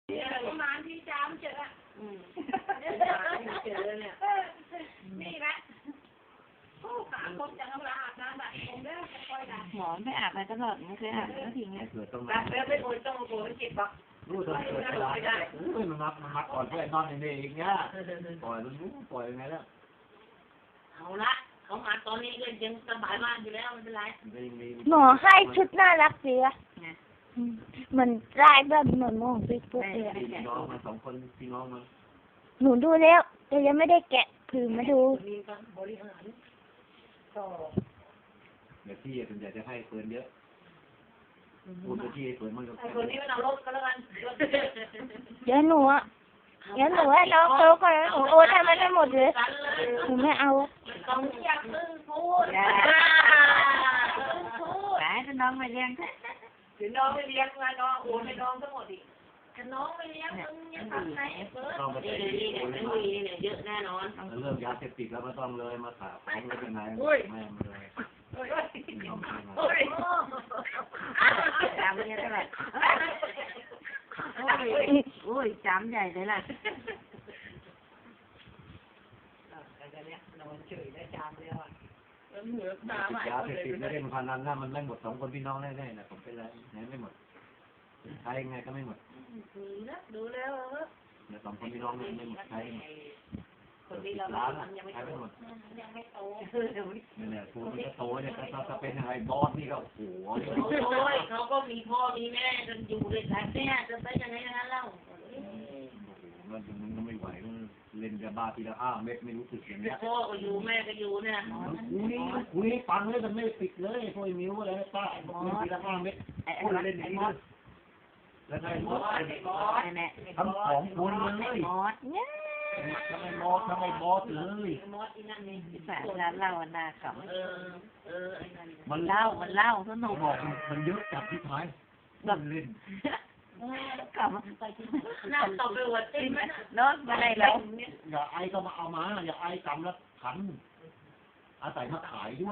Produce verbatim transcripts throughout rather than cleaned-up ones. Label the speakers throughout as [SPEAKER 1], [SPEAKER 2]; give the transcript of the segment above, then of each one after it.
[SPEAKER 1] ประมาณที่จามเจออืมเจอเนี่ยนี่แหละสามคนจะทำลายอาบน้ำแบบผมเด้อค่อยๆนะ
[SPEAKER 2] หมอไม่อาบอะไรตลอดไม่เคยอาบก็ทิ้งเลย
[SPEAKER 3] เกิดต้อง
[SPEAKER 1] รั
[SPEAKER 3] มา
[SPEAKER 1] บแล้วไม่ควรต้องโกนเจ็บปะ
[SPEAKER 3] รู้ตัวเกิดจะร้ายได้เฮ้ยมันมักมันมักก่อนเพื่อนนอนในนี้อีกเนี่ยปล่อยมันรู้ปล่อยยังไงแล้ว
[SPEAKER 1] เอาละเขามาตอนนี้ก็ยังสบายมากอยู่แล้วไม่เป็นไร
[SPEAKER 4] หมอให้ชุดน่ารักดีอะเหมือนลายแบบเหมือนมองไปปุ๊บเลยอะ
[SPEAKER 3] พี่น้องมาสองคนพี่น้องมา
[SPEAKER 4] หนูดูแล้วแต่ยังไม่ได้แกะผืนมาดู
[SPEAKER 1] มีการบริหารก็
[SPEAKER 3] เดี๋ยวพี่ส่วนใหญ่จะให้เฟิร์นเยอะพูดไปที่เฟิร์นมันก็
[SPEAKER 1] ไอ้คนนี้มันเอารถก็แล้วกัน
[SPEAKER 4] เดี๋ยวหนูอะเดี๋ยวหนูให้น้องเขาก่อนหนูโอนให้มันได้หมดเลยหนูไม่เอา
[SPEAKER 1] ต้องอยากพึ่งพูดพูด
[SPEAKER 2] หลายน้องมาเลี้ยง
[SPEAKER 1] ถึงน้องไม่เลี้ยงมาน้องโอนให้น้องทั้งหมดอีกถ้าน้องไม่เลี้ยงมึงยังทำไงเฟิร์ส
[SPEAKER 3] ต้องไป
[SPEAKER 1] นี่นี่เนี่ยไม่มีเนี่ยเยอะแน่นอน
[SPEAKER 3] เรื่องยาเสพติดแล้วก็ต้องเลยมาถามของเลยเป็นไงแม่มาเลย
[SPEAKER 1] โอ้ยโอ้ย
[SPEAKER 2] จำเนี่ยตลอดโอ้ยโอ้ยจำใหญ่เลยล่ะ
[SPEAKER 1] แต่เนี่ยนอนเฉยได้จามแล้วอ่ะเหนือตา
[SPEAKER 3] ติดยาเสพติดไม่ได้มันพนันนะมันไม่หมดสองคนพี่น้องแน่ๆนะผมเป็นไรไหนไม่หมดใช้ยังไงก็ไม่หมด
[SPEAKER 1] ดูแล้ว
[SPEAKER 3] เดี๋ยวสองคนพี่น้องไม่หมดใช้หมด
[SPEAKER 1] คนที่เรา
[SPEAKER 3] ล้าน
[SPEAKER 1] ยังไม่
[SPEAKER 3] ใช้ไม่หมด
[SPEAKER 1] ยังไม่โต
[SPEAKER 3] นี่แหละตัวมันก็โตเนี่ยถ้าถ้าเป็นอะไรบอสนี่ก็โอ้โห
[SPEAKER 1] โอ้ยเขาก็มีพ่อมีแม่กันอยู่ด้วยกันเนี่ยจะไปยังไงนะเล่า
[SPEAKER 3] มันมันไม่ไหวมันเล่นยาบ้าทีละห้าเม็ดไม่รู้สึกอย่างเงี้ย
[SPEAKER 1] พ่อก็อยู่แม่ก็อยู่เนี่ย
[SPEAKER 3] คุยคุยฟังเลยมันไม่ปิดเลยพวกมิ้วอะไรป้าเล่นทีละห้าเม็ดพูดเล่นอย่างนี้แล้วไงมอส
[SPEAKER 2] ไอ้แม่
[SPEAKER 3] ทำของคนเลย
[SPEAKER 2] มอสเนี่ย
[SPEAKER 3] ทำไมมอสทำไมบอสเลย
[SPEAKER 1] มอสที่นั่นนี่
[SPEAKER 2] สารร้านเราหน้าข
[SPEAKER 1] เออเออไอ้นั่น
[SPEAKER 2] ำมันเล่ามันเล่าสนุก
[SPEAKER 3] บอกมันเยอะจับที่ท้ายแบบเล่น
[SPEAKER 2] กลับ
[SPEAKER 1] น่าตบไปหัวติ้ง
[SPEAKER 2] เนาะมาได้แล้ว
[SPEAKER 3] อย่าไอก็มาเอามาอย่าไอกำแล้วขันอาศัยมาขายด้วย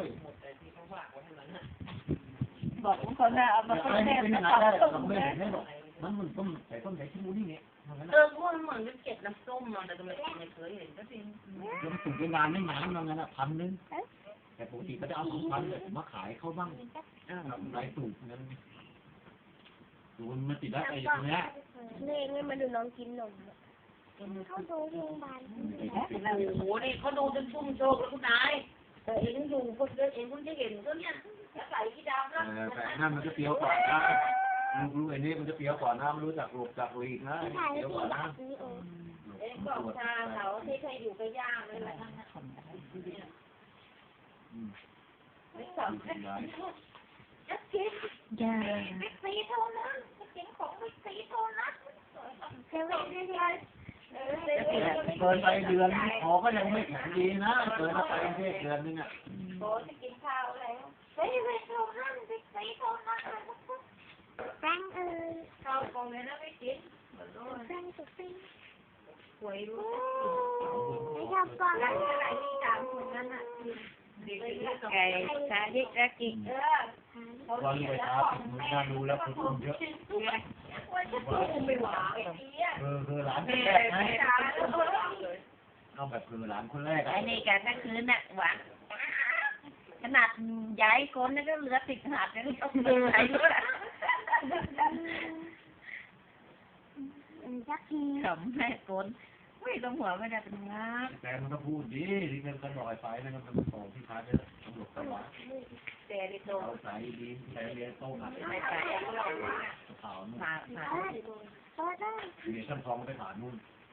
[SPEAKER 2] บอกคนน่ะเอา
[SPEAKER 3] อ
[SPEAKER 2] มา
[SPEAKER 3] ย่า
[SPEAKER 2] คน
[SPEAKER 3] ไอ
[SPEAKER 2] แร
[SPEAKER 3] ให้
[SPEAKER 2] ก
[SPEAKER 3] เป็น
[SPEAKER 2] มา
[SPEAKER 3] ยังไง
[SPEAKER 2] ตอบ
[SPEAKER 3] ได้
[SPEAKER 2] ต้
[SPEAKER 3] เรา
[SPEAKER 2] ม
[SPEAKER 3] ไม่
[SPEAKER 2] แม่
[SPEAKER 3] เห็นได้หรอกมันมันต้มใส่ต้มใส่ขี้มูนี่เนี่ย
[SPEAKER 1] เออมันเหมือนกับเก็บน้ำส้มมาแต่ไม่ไม่เคยเห็นก็จริง
[SPEAKER 3] แล้วมันถึงเวลาไม่นานบางงั้นอ่ะพันนึงแต่ปกติก็จะเอาสองพันเลยมาขายเขาบ้างรายสูงนั้นดูมันติดได้ไอ้ตรงเนี้ย
[SPEAKER 4] นี่นี่มาดูน้องกินนมเขาดูโรงพยาบาล
[SPEAKER 1] โอ้โหนี่เขาดูจนชุ่มโชกแล้วคุณนายแต่เองอยู่คนเดียวเองคุณจะเห็นก็เนี่ยใส่กีดำแล้ว
[SPEAKER 3] แต่นั่นมันจะเปรี้ยวกว่านะรู้ไอ้นี่มันจะเปรี้ยวกว่านะมันรู้จักหลบจากหลีกนะเปรี้ยวกว่านะ
[SPEAKER 1] เอ็งบอกชาเขาที่เคยอยู่กับย่าเลยแหละไม่สนจะกิน
[SPEAKER 4] จ้า
[SPEAKER 1] ไม่ซีเท่านั้นจะกินของไม่ซีเท่านั้นเซเว่นนี่ไงเออเซเว่น
[SPEAKER 3] เกินไปเดือนขอก็ยังไม่แข็งดีนะเกินไปเดือนนึงอ่ะ
[SPEAKER 1] โอ้จะกินข้าวแล้วเซเว่นเท่านั้นไม่ซีเท่านั้น
[SPEAKER 4] แฟงเอ้ย
[SPEAKER 1] ข้าวกองเลยนะไม่กิน
[SPEAKER 4] แฟงสุดฟิน
[SPEAKER 1] หวยรู้
[SPEAKER 4] ไม่ชอบฟัง
[SPEAKER 1] ร้านอะไรที่ตามเหมือนกันอ่ะ
[SPEAKER 2] ไก่ชาดิกกิก
[SPEAKER 1] เออ
[SPEAKER 3] วันรวยครับมึงน่ารู้แล้วคุณอุ้มเยอะ
[SPEAKER 1] ไม่หวานไอ้เหี้ย
[SPEAKER 3] เออคือหลานคนแรกไหมเอาแบบคือหลานคนแรก
[SPEAKER 2] ไอ้นี่กันทั้งคืนน่ะหวานขนาดใหญ่คนนี่ก็เหลือติดหัดนี่ต้องเดินไหนด้วย
[SPEAKER 4] จักที
[SPEAKER 2] ขำแม่คนไม่ต้องหัวไม่ได้เป็นงับ
[SPEAKER 3] แต่มันก็พูดดีที่เงินกันลอยไปนะมันโตที่ท้ายเนี่ยตำรวจตำรวจ
[SPEAKER 1] แต่ดิโต
[SPEAKER 3] เอาใส่ดีใส่เรียนโต้หนัก
[SPEAKER 2] ไม่ไป
[SPEAKER 3] ขาวนู่น
[SPEAKER 2] ผ่าผ่า
[SPEAKER 4] ก็ได้
[SPEAKER 3] เดี๋ยวช่างทองไปผ่านนู่น